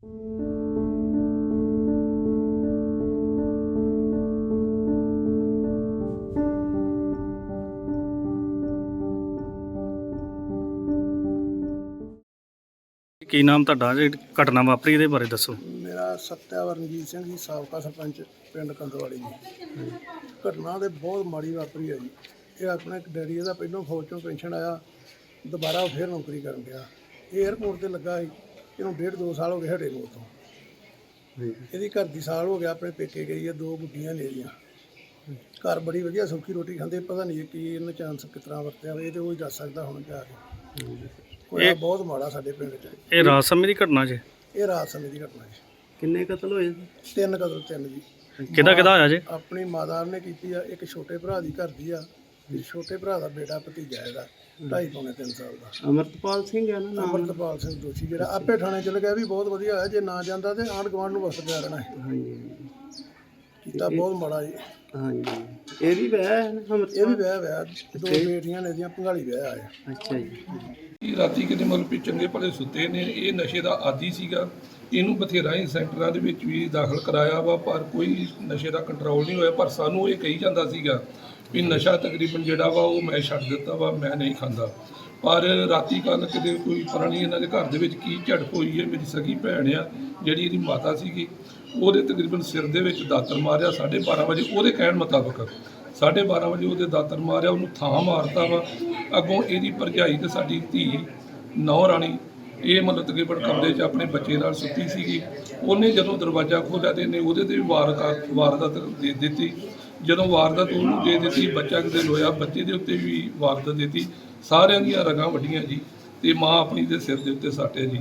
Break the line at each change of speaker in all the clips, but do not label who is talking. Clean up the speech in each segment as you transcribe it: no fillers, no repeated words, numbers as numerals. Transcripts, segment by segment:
ਕੀ ਨਾਮ ਤੁਹਾਡਾ? ਜਿਹੜੀ ਘਟਨਾ ਵਾਪਰੀ ਇਹਦੇ ਬਾਰੇ ਦੱਸੋ।
ਮੇਰਾ ਸੱਤਿਆ ਰਣਜੀਤ ਸਿੰਘ ਜੀ, ਸਾਬਕਾ ਸਰਪੰਚ ਪਿੰਡ ਕੰਦਰਵਾਲੀ ਜੀ। ਘਟਨਾ ਤੇ ਬਹੁਤ ਮਾੜੀ ਵਾਪਰੀ ਹੈ ਜੀ। ਇਹ ਆਪਣਾ ਇੱਕ ਡੈਡੀ ਇਹਦਾ ਪਹਿਲਾਂ ਫੌਜ ਚੋਂ ਪੈਨਸ਼ਨ ਆਇਆ, ਦੁਬਾਰਾ ਉਹ ਫਿਰ ਨੌਕਰੀ ਕਰਨ ਗਿਆ। ਇਹ ਏਅਰਪੋਰਟ ਤੇ ਲੱਗਾ ਸੀ, ਇਹਨੂੰ 1.5-2 ਸਾਲ ਹੋ ਗਏ ਹਟੇ ਨੂੰ ਉੱਥੋਂ। ਇਹਦੀ ਘਰ ਦੀ ਸਾਲ ਹੋ ਗਿਆ ਆਪਣੇ ਪੇਕੇ ਗਈ ਹੈ, 2 ਗੁੱਡੀਆਂ ਨੇ ਇਹਦੀਆਂ। ਘਰ ਬੜੀ ਵਧੀਆ ਸੌਖੀ ਰੋਟੀ ਖਾਂਦੇ, ਪਤਾ ਨਹੀਂ ਕੀ ਇਹਨੇ ਚਾਂਸ ਕਿਸ ਤਰ੍ਹਾਂ ਵਰਤਿਆ, ਇਹ ਤੇ ਉਹ ਹੀ ਦੱਸ ਸਕਦਾ ਹੁਣ ਜਾ ਕੇ। ਹੋਇਆ ਬਹੁਤ ਮਾੜਾ ਸਾਡੇ ਪਿੰਡ 'ਚ।
ਇਹ ਰਾਤ ਸਮੇਂ ਦੀ ਘਟਨਾ ਜੀ?
ਇਹ ਰਾਤ ਸਮੇਂ ਦੀ ਘਟਨਾ ਜੀ।
ਕਿੰਨੇ ਕਤਲ ਹੋਏ?
3 ਕਤਲ, 3 ਜੀ।
ਕਿਹਦਾ ਹੋਇਆ ਜੀ?
ਆਪਣੀ ਮਾਤਾ ਨੇ ਕੀਤੀ ਆ, ਇੱਕ ਛੋਟੇ ਭਰਾ ਦੀ ਘਰ ਦੀ ਆ, ਤੇ ਛੋਟੇ ਭਰਾ ਦਾ ਬੇਟਾ ਭਤੀਜਾ ਇਹਦਾ 2.5-3 ਸਾਲ ਦਾ।
ਅਮਰਤਪਾਲ ਸਿੰਘ ਹੈ ਨਾ?
ਅਮਰਤਪਾਲ ਸਿੰਘ ਦੋਸ਼ੀ, ਜਿਹੜਾ ਆਪੇ ਥਾਣੇ ਚਲ ਗਿਆ ਵੀ ਬਹੁਤ ਵਧੀਆ ਹੋਇਆ। ਜੇ ਨਾ ਜਾਂਦਾ ਤੇ ਆਂਢ ਗੁਆਂਢ ਨੂੰ ਵਸਤ ਪਿਆ ਰਹਿਣਾ ਹੈ।
ਹਾਂਜੀ
ਕੀਤਾ ਬਹੁਤ ਮਾੜਾ ਜੀ।
ਹਾਂਜੀ। ਇਹ ਵੀ ਵਿਆਹ ਹੈ ਨਾ?
ਇਹ ਵੀ ਵਿਆਹ 2 ਬੇਟੀਆਂ ਨੇ ਇਹਦੀਆਂ, ਭੰਗਾਲੀ ਵਿਆਹ ਆਇਆ।
ਅੱਛਾ ਜੀ।
ਰਾਤੀ ਕਿਤੇ ਮਤਲਬ ਵੀ ਚੰਗੇ ਭਲੇ ਸੁੱਤੇ ਨੇ। ਇਹ ਨਸ਼ੇ ਦਾ ਆਦੀ ਸੀਗਾ। ਇਹਨੂੰ ਬਥੇਰਾ ਹੀ ਸੈਂਟਰਾਂ ਦੇ ਵਿੱਚ ਵੀ ਦਾਖਲ ਕਰਾਇਆ ਵਾ, ਪਰ ਕੋਈ ਨਸ਼ੇ ਦਾ ਕੰਟਰੋਲ ਨਹੀਂ ਹੋਇਆ। ਪਰ ਸਾਨੂੰ ਇਹ ਕਹੀ ਜਾਂਦਾ ਸੀਗਾ ਵੀ ਨਸ਼ਾ ਤਕਰੀਬਨ ਜਿਹੜਾ ਵਾ ਉਹ ਮੈਂ ਛੱਡ ਦਿੱਤਾ ਵਾ, ਮੈਂ ਨਹੀਂ ਖਾਂਦਾ। ਪਰ ਰਾਤੀ ਕੱਲ੍ਹ ਕਿਤੇ ਕੋਈ ਪਤਾ ਨਹੀਂ ਇਹਨਾਂ ਦੇ ਘਰ ਦੇ ਵਿੱਚ ਕੀ ਝੜਪ ਹੋਈ ਹੈ। ਮੇਰੀ ਸਗੀ ਭੈਣ ਆ ਜਿਹੜੀ ਇਹਦੀ ਮਾਤਾ ਸੀਗੀ, ਉਹਦੇ ਤਕਰੀਬਨ ਸਿਰ ਦੇ ਵਿੱਚ ਦਾਤਰ ਮਾਰਿਆ 12:30 ਵਜੇ। ਉਹਦੇ ਕਹਿਣ ਮੁਤਾਬਕ 12:30 ਵਜੇ ਉਹਦੇ ਦਾਤਰ ਮਾਰਿਆ, ਉਹਨੂੰ ਥਾਂ ਮਾਰਤਾ ਵਾ। ਅੱਗੋਂ ਇਹਦੀ ਭਰਜਾਈ ਤੇ ਸਾਡੀ ਧੀ ਨੌ ਰਾਣੀ, ਇਹ ਮਤਲਬ ਤਕਰੀਬਨ ਕਮਰੇ 'ਚ ਆਪਣੇ ਬੱਚੇ ਨਾਲ ਸੁੱਤੀ ਸੀਗੀ। ਉਹਨੇ ਜਦੋਂ ਦਰਵਾਜ਼ਾ ਖੋਲ੍ਹਿਆ ਤੇ ਇਹਨੇ ਉਹਦੇ 'ਤੇ ਵੀ ਵਾਰਦਾਤ ਦੇ ਦਿੱਤੀ। ਜਦੋਂ ਵਾਰਦਾਤ ਉਹਨੂੰ ਦੇ ਦਿੱਤੀ, ਬੱਚਾ ਕਿਤੇ ਲੋਇਆ, ਬੱਚੇ ਦੇ ਉੱਤੇ ਵੀ ਵਾਰਦਾਤ ਦੇ ਦਿੱਤੀ। ਸਾਰਿਆਂ ਦੀਆਂ ਰਗਾਂ ਵੱਡੀਆਂ ਜੀ, ਤੇ ਮਾਂ ਆਪਣੀ ਦੇ ਸਿਰ ਦੇ ਉੱਤੇ ਸੱਟ ਹੈ ਜੀ।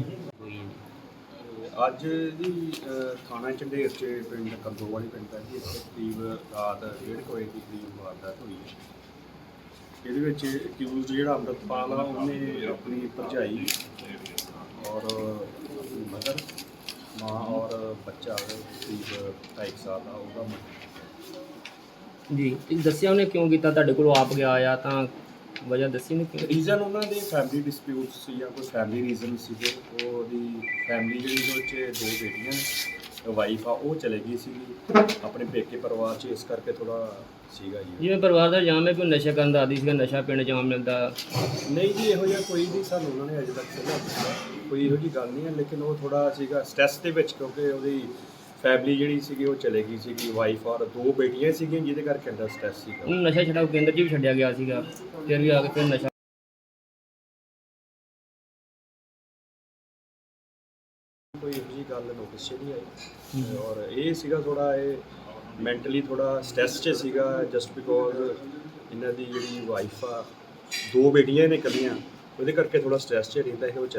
ਅੱਜ ਜੀ ਥਾਣਾ ਝੰਡੇਰ 'ਚ ਪਿੰਡ ਕੰਦੋਵਾਲੀ ਪੈਂਦਾ ਜੀ। ਇੱਥੇ ਕਰੀਬ ਰਾਤ 1:30 ਵਜੇ ਦੀ ਕਰੀਬ ਵਾਰਦਾਤ ਹੋਈ ਹੈ। ਇਹਦੇ ਵਿੱਚ ਅਕਿਊਜ਼ ਜਿਹੜਾ ਅੰਮ੍ਰਿਤਪਾਲ ਆ, ਉਹਨੇ ਆਪਣੀ ਭਰਜਾਈ ਔਰ ਆਪਣੀ ਮਦਰ, ਮਾਂ ਔਰ ਬੱਚਾ ਕਰੀਬ 2.5 ਸਾਲ ਦਾ, ਉਹਦਾ
ਜੀ। ਦੱਸਿਆ ਉਹਨੇ ਕਿਉਂ ਕੀਤਾ? ਤੁਹਾਡੇ ਕੋਲ ਆਪ ਗਿਆ ਆ ਤਾਂ ਵਜ੍ਹਾ ਦੱਸੀ ਨਹੀਂ ਕਿਉਂ?
ਰੀਜ਼ਨ ਉਹਨਾਂ ਦੇ ਫੈਮਿਲੀ ਡਿਸਪਿਊਟਸ ਸੀ ਜਾਂ ਕੋਈ ਫੈਮਿਲੀ ਰੀਜ਼ਨ ਸੀਗੇ। ਉਹਦੀ ਫੈਮਿਲੀ ਜਿਹੜੀ ਉਹਦੇ 'ਚ 2 ਬੇਟੀਆਂ ਨੇ, ਵਾਈਫ ਆ ਉਹ ਚਲੇ ਗਈ ਸੀਗੀ ਆਪਣੇ ਪੇਕੇ ਪਰਿਵਾਰ 'ਚ, ਇਸ ਕਰਕੇ ਥੋੜਾ ਸੀਗਾ ਜੀ।
ਜਿਵੇਂ ਪਰਿਵਾਰ ਦਾ ਇਲਜ਼ਾਮ ਹੈ ਕਿ ਉਹ ਨਸ਼ਾ ਕਰਨ ਦਾ ਆਦੀ ਸੀਗਾ, ਨਸ਼ਾ ਪਿੰਡ 'ਚ ਆਮ ਮਿਲਦਾ।
ਨਹੀਂ ਜੀ, ਇਹੋ ਜਿਹਾ ਕੋਈ ਨਹੀਂ ਸਾਨੂੰ ਉਹਨਾਂ ਨੇ ਅਜੇ ਤੱਕ ਸੁਣਿਆ, ਕੋਈ ਇਹੋ ਜਿਹੀ ਗੱਲ ਨਹੀਂ ਹੈ। ਲੇਕਿਨ ਉਹ ਥੋੜਾ ਸੀਗਾ ਸਟ੍ਰੈਸ ਦੇ ਵਿੱਚ, ਕਿਉਂਕਿ ਉਹਦੀ ਫੈਮਿਲੀ ਜਿਹੜੀ ਸੀਗੀ ਉਹ ਚਲੇ ਗਈ ਸੀਗੀ, ਵਾਈਫ ਔਰ 2 ਬੇਟੀਆਂ ਸੀਗੀਆਂ, ਜਿਹਦੇ ਕਰਕੇ ਅੰਦਰ ਸਟ੍ਰੈਸ ਸੀਗਾ।
ਉਹਨੂੰ ਨਸ਼ਾ ਛਡਾਊ ਕੇਂਦਰ 'ਚ ਵੀ ਛੱਡਿਆ ਗਿਆ ਸੀਗਾ, ਫਿਰ ਵੀ ਆ ਕੇ ਫਿਰ ਨਸ਼ਾ।
ਕੋਈ ਇਹੋ ਜਿਹੀ ਗੱਲ ਨੋਟਿਸ 'ਚ ਨਹੀਂ ਆਈ। ਔਰ ਇਹ ਸੀਗਾ ਥੋੜਾ, ਇਹ ਮੈਂਟਲੀ ਥੋੜਾ ਸਟ੍ਰੈਸ 'ਚ ਸੀਗਾ, ਜਸਟ ਬਿਕੋਜ਼ ਇਹਨਾਂ ਦੀ ਜਿਹੜੀ ਵਾਈਫ ਆ, 2 ਬੇਟੀਆਂ ਨੇ ਇਕੱਲੀਆਂ, ਉਹਦੇ ਕਰਕੇ ਥੋੜਾ ਸਟ੍ਰੈਸ 'ਚ ਰਹਿੰਦਾ ਇਹ।